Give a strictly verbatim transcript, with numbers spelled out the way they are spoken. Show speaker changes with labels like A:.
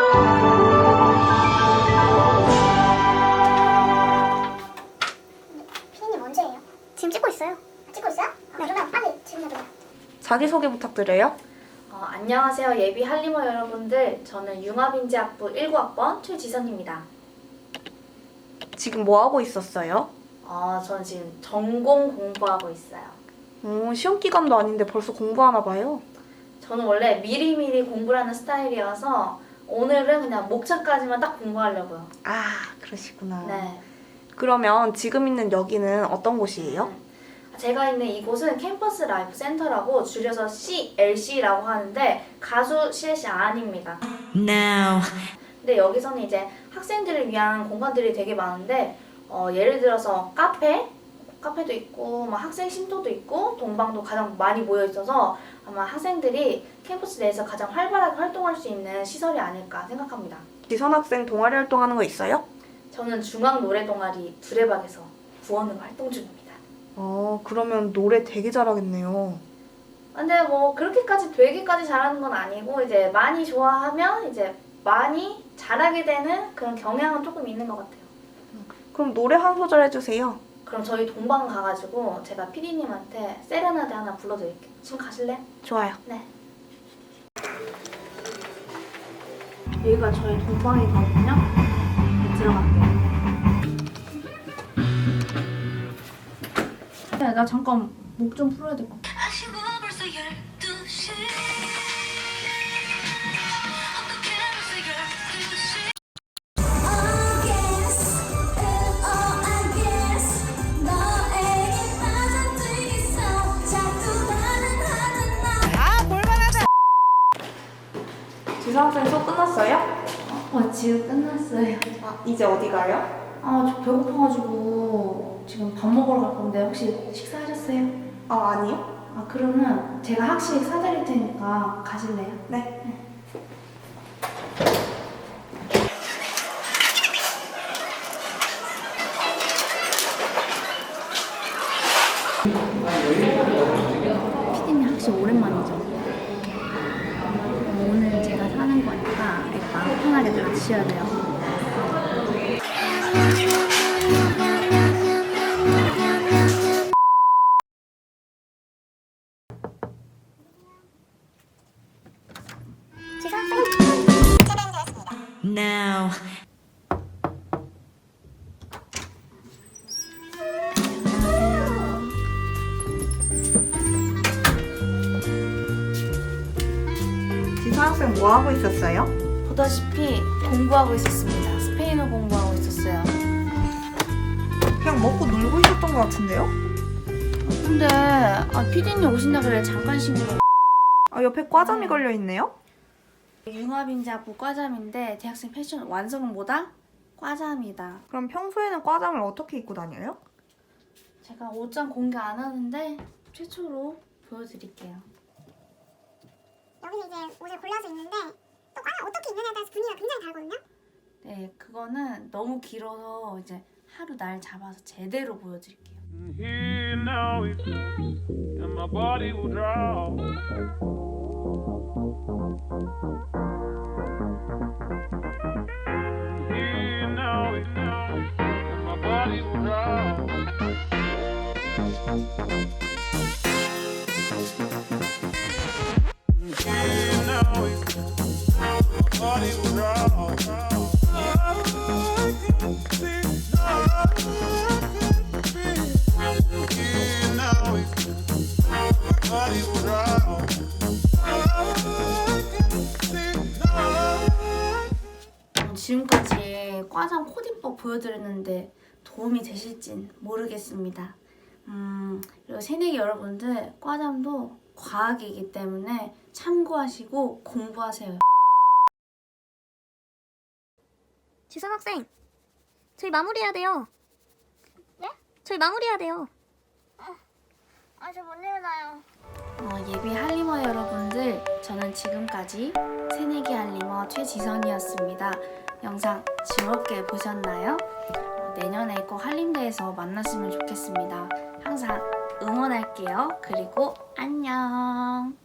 A: 피디님 언제예요? 지금 찍고 있어요. 찍고 있어요? 아, 네. 그러면 빨리 질문해줘요.
B: 자기소개 부탁드려요.
C: 어, 안녕하세요 예비 할리머 여러분들. 저는 융합인지학부 일구 학번 최지선입니다.
B: 지금 뭐 하고 있었어요?
C: 어, 저는 지금 전공 공부하고 있어요.
B: 오, 시험 기간도 아닌데 벌써 공부하나 봐요.
C: 저는 원래 미리미리 공부를 하는 스타일이어서 오늘은 그냥 목차까지만 딱 공부하려고요.
B: 아, 그러시구나.
C: 네.
B: 그러면 지금 있는 여기는 어떤 곳이에요?
C: 제가 있는 이곳은 캠퍼스 라이프 센터라고 줄여서 씨엘씨라고 하는데 가수 씨엘씨 아닙니다.
D: Now.
C: 근데 여기서는 이제 학생들을 위한 공간들이 되게 많은데 어, 예를 들어서 카페, 카페도 있고 막 학생 쉼터도 있고 동방도 가장 많이 모여 있어서 아마 학생들이 캠퍼스 내에서 가장 활발하게 활동할 수 있는 시설이 아닐까 생각합니다.
B: 지선 학생 동아리 활동하는 거 있어요?
C: 저는 중앙 노래 동아리 두레박에서 구원으로 활동 중입니다.
B: 어, 그러면 노래 되게 잘하겠네요.
C: 근데 뭐 그렇게까지 되게까지 잘하는 건 아니고 이제 많이 좋아하면 이제 많이 잘하게 되는 그런 경향은 조금 있는 것 같아요.
B: 그럼 노래 한 소절 해주세요.
C: 그럼 저희 동방 가가지고 제가 피디님한테 세레나데 하나 불러드릴게요. 지금 가실래?
B: 좋아요.
C: 네. 여기가 저희 동방이거든요. 네, 들어갈게요. 야, 나 잠깐 목 좀 풀어야 될 것 같아.
B: 지선 학생 수업 끝났어요?
C: 어, 지금 끝났어요.
B: 아, 이제 어디 가요?
C: 아, 저 배고파가지고 지금 밥 먹으러 갈 건데 혹시 식사하셨어요?
B: 아, 아니요.
C: 아, 그러면 제가 학식 사드릴 테니까 가실래요?
B: 네.
C: 피디님 학식 오랜만이죠? 오늘 제가 사는 거니까 마음 편하게 다 드셔야 돼요.
A: 지선 학생 재배되었습니다.
D: Now.
B: 지선 학생 뭐 하고 있었어요?
C: 보다시피 공부하고 있었습니다. 스페인어 공부하고 있었어요.
B: 그냥 먹고 놀고 있었던 것 같은데요?
C: 근데 아, 피디님 오신다 그래 잠깐 쉬고.
B: 아, 옆에 과잠이 걸려 있네요?
C: 융합인지학부 과잠인데 대학생 패션 완성은 뭐다? 과잠이다.
B: 그럼 평소에는 과잠을 어떻게 입고 다녀요?
C: 제가 옷장 공개 안 하는데 최초로 보여드릴게요.
A: 여기는 이제 옷을 골라서 입는데 또 과연 어떻게 입느냐에 따라서 분위기가 굉장히 다르거든요.
C: 네, 그거는 너무 길어서 이제 하루 날 잡아서 제대로 보여드릴게요.
E: Here now we go, and my body will draw. Here now we go, and my body will draw. Here now we go, my body will draw. I can see
C: 지금까지 과잠 코디법 보여드렸는데 도움이 되실진 모르겠습니다. 음, 그리고 새내기 여러분들 과잠도 과학이기 때문에 참고하시고 공부하세요.
A: 지선 학생, 저희 마무리해야 돼요. 네? 저희 마무리해야 돼요. 아, 저 못 일어나요.
C: 어, 예비 할리머 여러분들, 저는 지금까지 새내기 할리머 최지선이었습니다. 영상 즐겁게 보셨나요? 어, 내년에 꼭 한림대에서 만났으면 좋겠습니다. 항상 응원할게요. 그리고 안녕.